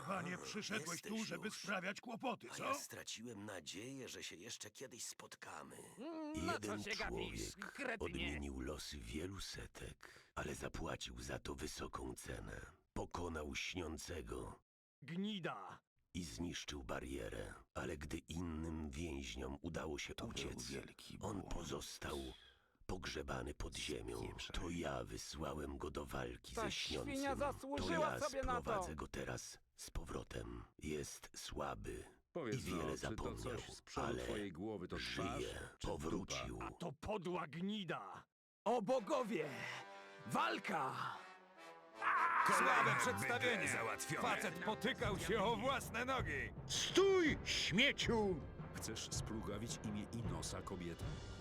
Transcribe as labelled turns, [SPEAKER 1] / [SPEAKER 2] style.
[SPEAKER 1] Panie, przyszedłeś tu,
[SPEAKER 2] jesteś
[SPEAKER 1] żeby
[SPEAKER 2] już.
[SPEAKER 1] sprawiać kłopoty,
[SPEAKER 2] A
[SPEAKER 1] co?
[SPEAKER 2] ja straciłem nadzieję, że się jeszcze kiedyś spotkamy.
[SPEAKER 3] Na co
[SPEAKER 4] Jeden
[SPEAKER 3] się gapisz,
[SPEAKER 4] człowiek
[SPEAKER 3] kretynie?
[SPEAKER 4] odmienił losy wielu setek, ale zapłacił za to wysoką cenę. Pokonał śniącego
[SPEAKER 3] Gnida!
[SPEAKER 4] i zniszczył barierę, ale gdy innym więźniom udało się uciec,
[SPEAKER 1] wielki
[SPEAKER 4] on
[SPEAKER 1] błąd.
[SPEAKER 4] pozostał pogrzebany pod ziemią.
[SPEAKER 1] Spieprzaj.
[SPEAKER 4] To ja wysłałem go do walki
[SPEAKER 3] Ta
[SPEAKER 4] ze
[SPEAKER 3] świnia
[SPEAKER 4] śniącym.
[SPEAKER 3] zasłużyła
[SPEAKER 4] To ja
[SPEAKER 3] sobie na to.
[SPEAKER 4] sprowadzę go teraz z powrotem. Jest słaby
[SPEAKER 5] Powiedz
[SPEAKER 4] i wiele
[SPEAKER 5] czy to
[SPEAKER 4] zapomniał,
[SPEAKER 5] coś z przodu
[SPEAKER 4] ale
[SPEAKER 5] twojej głowy to twarz,
[SPEAKER 4] żyje,
[SPEAKER 5] czy
[SPEAKER 4] powrócił.
[SPEAKER 5] dupa?
[SPEAKER 3] To podła gnida! O bogowie! Walka!
[SPEAKER 6] Słabe przedstawienie! Facet potykał się o własne nogi!
[SPEAKER 1] Stój, śmieciu!
[SPEAKER 5] Chcesz splugawić imię Inosa, kobieta?